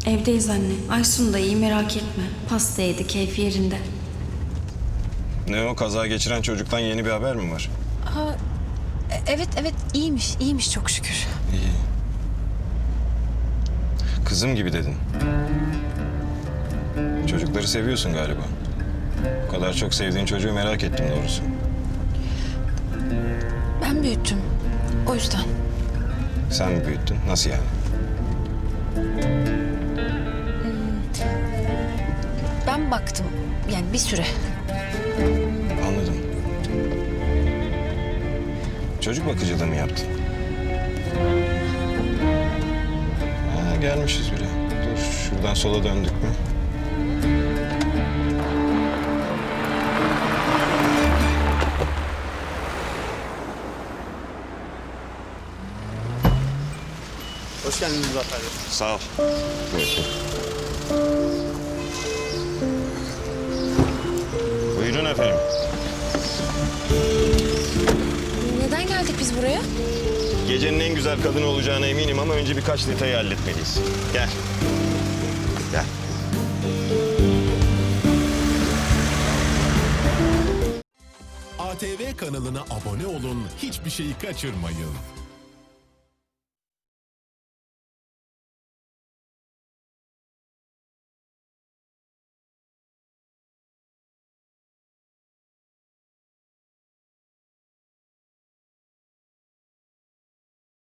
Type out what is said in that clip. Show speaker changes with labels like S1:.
S1: Evdeyiz anne. Aysun da iyi, merak etme. Pasta yedi, keyfi yerinde.
S2: Ne o, kaza geçiren çocuktan yeni bir haber mi var?
S3: Evet iyiymiş çok şükür.
S2: İyi. Kızım gibi dedin. Çocukları seviyorsun galiba. Bu kadar çok sevdiğin çocuğu merak ettim doğrusu.
S3: Ben büyüttüm. O yüzden.
S2: Sen mi büyüttün? Nasıl yani?
S3: Ben baktım. Yani bir süre.
S2: Anladım. Çocuk bakıcılığı mı yaptın? Ha, gelmişiz bile. Dur, şuradan sola döndük mü?
S4: Hoş geldiniz Muzaffer Bey.
S2: Sağ ol. Buyurun efendim.
S3: Neden geldik biz buraya?
S2: Gecenin en güzel kadını olacağına eminim ama önce birkaç detayı halletmeliyiz. Gel. Gel.
S5: ATV kanalına abone olun, hiçbir şeyi kaçırmayın.